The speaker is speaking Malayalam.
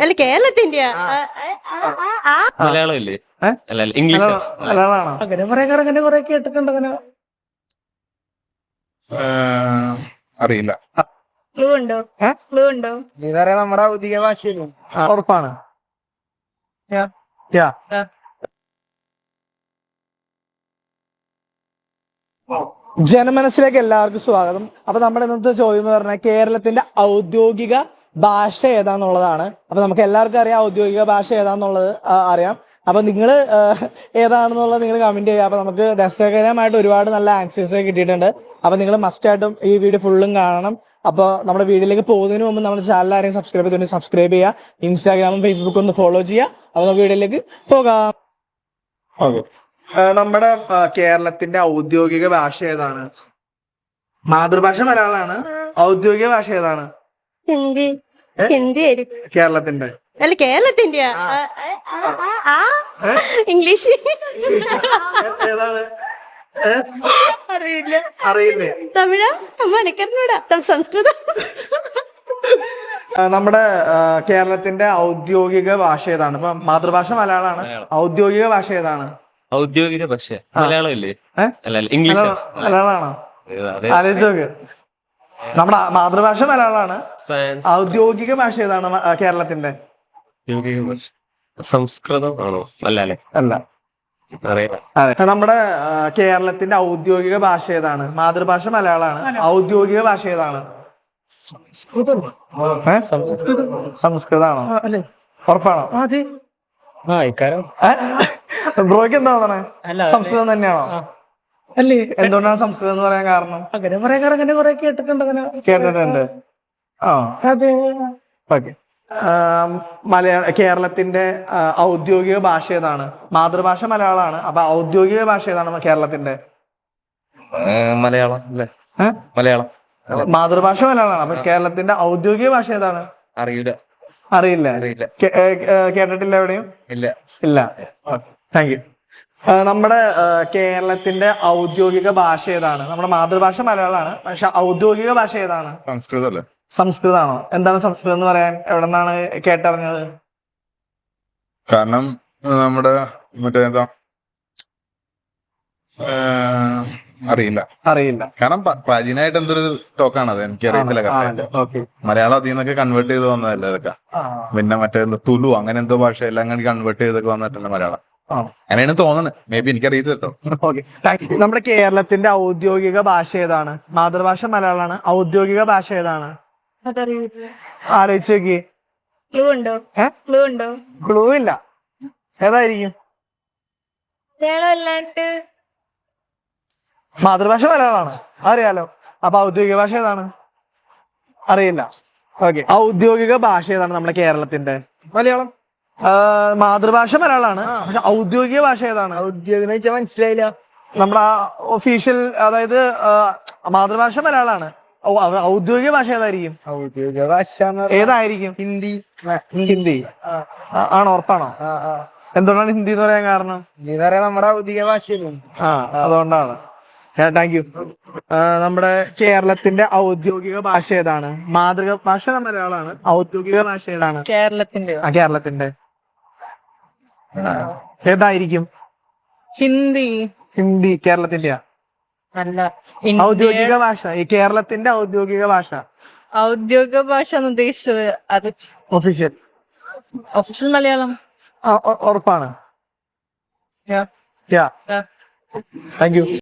അല്ല കേരളത്തിന്റെ മലയാളം ഇല്ലേ? അല്ല ഇംഗ്ലീഷ് മലയാളമാണോ? അങ്ങനെ കുറെ കേട്ടിട്ടുണ്ട് അങ്ങനെ. അറിയില്ല. ക്ലൂ ഉണ്ടോ? ക്ലൂ ഉണ്ടോ? ഇതറിയാം, നമ്മുടെ ഔദ്യോഗിക ഭാഷയിലും. ഉറപ്പാണ്. ജനമനസ്സിലേക്ക് എല്ലാവർക്കും സ്വാഗതം. അപ്പൊ നമ്മുടെ ഇന്നത്തെ ചോദ്യം എന്ന് പറഞ്ഞാൽ കേരളത്തിന്റെ ഔദ്യോഗിക ഭാഷ ഏതാന്നുള്ളതാണ്. അപ്പൊ നമുക്ക് എല്ലാവർക്കും അറിയാം ഔദ്യോഗിക ഭാഷ ഏതാന്നുള്ളത് അറിയാം. അപ്പൊ നിങ്ങൾ ഏതാണെന്നുള്ളത് നിങ്ങൾ കമന്റ് ചെയ്യുക. അപ്പൊ നമുക്ക് രസകരമായിട്ട് ഒരുപാട് നല്ല ആൻസേഴ്സ് കിട്ടിയിട്ടുണ്ട്. അപ്പൊ നിങ്ങൾ മസ്റ്റ് ആയിട്ടും ഈ വീഡിയോ ഫുള്ളും കാണണം. അപ്പോൾ നമ്മുടെ വീഡിയോയിലേക്ക് പോകുന്നതിന് മുമ്പ് നമ്മുടെ ചാനൽ ആരെയും സബ്സ്ക്രൈബ് ചെയ്തിട്ടുണ്ടെങ്കിൽ സബ്സ്ക്രൈബ് ചെയ്യുക. ഇൻസ്റ്റാഗ്രാമും ഫേസ്ബുക്കും ഒന്ന് ഫോളോ ചെയ്യുക. അപ്പൊ നമുക്ക് വീഡിയോയിലേക്ക് പോകാം. നമ്മുടെ കേരളത്തിന്റെ ഔദ്യോഗിക ഭാഷ ഏതാണ്? മാതൃഭാഷ മലയാളമാണ്. ഔദ്യോഗിക ഭാഷ ഏതാണ്? ഹിന്ദി. ഹിന്ദി ആയിരിക്കും. കേരളത്തിന്റെ അല്ല കേരളത്തിന്റെ ഇംഗ്ലീഷ് ഏതാണ്? അറിയില്ല. അറിയില്ലേ? തമിഴ മനക്കറിഞ്ഞൂടാ. സംസ്കൃതം. നമ്മുടെ കേരളത്തിന്റെ ഔദ്യോഗിക ഭാഷ ഏതാണ്? ഇപ്പൊ മാതൃഭാഷ മലയാളമാണ്. ഔദ്യോഗിക ഭാഷ ഏതാണ്? ഔദ്യോഗിക ഭാഷ മലയാളം ഇല്ലേ? അല്ല ഇംഗ്ലീഷ് മലയാളമാണോ? ആലോചിച്ച് നോക്ക്. നമ്മുടെ മാതൃഭാഷ മലയാളമാണ്. ഔദ്യോഗിക ഭാഷ ഏതാണ് കേരളത്തിന്റെ? സംസ്കൃതം ആണോ? അല്ല അല്ലേ? അല്ല. അതെ. നമ്മുടെ കേരളത്തിന്റെ ഔദ്യോഗിക ഭാഷ ഏതാണ്? മാതൃഭാഷ മലയാളമാണ്. ഔദ്യോഗിക ഭാഷ ഏതാണ്? സംസ്കൃതാണോ? ഉറപ്പാണോ? ബ്രോയ്ക്ക് എന്താ തോന്നണേ? സംസ്കൃതം തന്നെയാണോ? അല്ലേ? എന്തുകൊണ്ടാണ് സംസ്കൃതം എന്ന് പറയാൻ കാരണം? അങ്ങനെ കുറെ കേട്ടിട്ടുണ്ട് അങ്ങനെ. കേട്ടിട്ടുണ്ട്. അതെ. ഓക്കെ. കേരളത്തിന്റെ ഔദ്യോഗിക ഭാഷ ഏതാണ്? മാതൃഭാഷ മലയാളമാണ്. അപ്പൊ ഔദ്യോഗിക ഭാഷ ഏതാണ് കേരളത്തിന്റെ? മലയാളം അല്ലേ? മലയാളം. മാതൃഭാഷ മലയാളമാണ്. അപ്പൊ കേരളത്തിന്റെ ഔദ്യോഗിക ഭാഷ ഏതാണ്? അറിയില്ല. അറിയില്ല. കേട്ടിട്ടില്ല എവിടെയും? ഇല്ല. ഇല്ല. Thank you. നമ്മുടെ കേരളത്തിന്റെ ഔദ്യോഗിക ഭാഷ ഏതാണ്? നമ്മുടെ മാതൃഭാഷ മലയാളമാണ്. പക്ഷെ ഔദ്യോഗിക ഭാഷ ഏതാണ്? സംസ്കൃതം അല്ലേ? സംസ്കൃതമാണോ? എന്താണ് സംസ്കൃതം എന്ന് പറയാൻ? എവിടെ നിന്നാണ് കേട്ടറിഞ്ഞത്? കാരണം നമ്മുടെ മറ്റേ എന്താ അറിയില്ല. അറിയില്ല. കാരണം പ്രാചീനമായിട്ട് എന്തൊരു ടോക്കാണത് എനിക്ക് അറിയത്തില്ല. മലയാളം അതിൽ നിന്നൊക്കെ കൺവേർട്ട് ചെയ്ത് വന്നതല്ലേ ഇതൊക്കെ. പിന്നെ മറ്റേ തുലു അങ്ങനെ എന്തോ ഭാഷ എല്ലാം അങ്ങനെ കൺവേർട്ട് ചെയ്തൊക്കെ വന്നിട്ടുണ്ട് മലയാളം. അങ്ങനെയാണ് തോന്നുന്നത്. മേ ബി എനിക്കറിയത്തില്ല കേട്ടോ. നമ്മുടെ കേരളത്തിന്റെ ഔദ്യോഗിക ഭാഷ ഏതാണ്? മാതൃഭാഷ മലയാളമാണ്. ഔദ്യോഗിക ഭാഷ ഏതാണ്? ആലോചിച്ച് നോക്കി. ക്ലൂ ഉണ്ടോ? ക്ലൂ ഉണ്ടോ? ക്ലൂ ഇല്ല. ഏതായിരിക്കും? മലയാളമല്ലാണ്ട് മാതൃഭാഷ മലയാളമാണ്, അറിയാലോ. അപ്പൊ ഔദ്യോഗിക ഭാഷ ഏതാണ്? അറിയില്ല. ഓക്കെ. ഔദ്യോഗിക ഭാഷ ഏതാണ് നമ്മുടെ കേരളത്തിന്റെ? മലയാളം. മാതൃഭാഷ മലയാളമാണ്. പക്ഷെ ഔദ്യോഗിക ഭാഷ ഏതാണ്? ഔദ്യോഗികം എന്ന് വെച്ചാൽ മനസ്സിലായില്ല. നമ്മുടെ ഒഫീഷ്യൽ, അതായത് മാതൃഭാഷ മലയാളമാണ്. ഔദ്യോഗിക ഭാഷ ഏതായിരിക്കും? ഔദ്യോഗിക ഭാഷ ഏതായിരിക്കും? ഹിന്ദി. ഹിന്ദി ആണോ? ഉറപ്പാണോ? എന്തുകൊണ്ടാണ് ഹിന്ദി എന്ന് പറയാൻ കാരണം? ഇതറിയാം, നമ്മുടെ ഔദ്യോഗിക ഭാഷയിലും. അതുകൊണ്ടാണ്. Thank you. നമ്മുടെ കേരളത്തിന്റെ ഔദ്യോഗിക ഭാഷ ഏതാണ്? മാതൃഭാഷ മലയാളമാണ്. ഔദ്യോഗിക ഭാഷ ഏതാണ്? കേരളത്തിന്റെ കേരളത്തിന്റെ ഏതായിരിക്കും? ഹിന്ദി. ഹിന്ദി കേരളത്തിന്റെ അല്ല, ഔദ്യോഗിക ഭാഷ. ഈ കേരളത്തിന്റെ ഔദ്യോഗിക ഭാഷ. ഔദ്യോഗിക ഭാഷ ഉദ്ദേശിച്ചത് അത് ഒഫീഷ്യൽ. ഒഫീഷ്യൽ മലയാളം. ഉറപ്പാണ്. Thank U.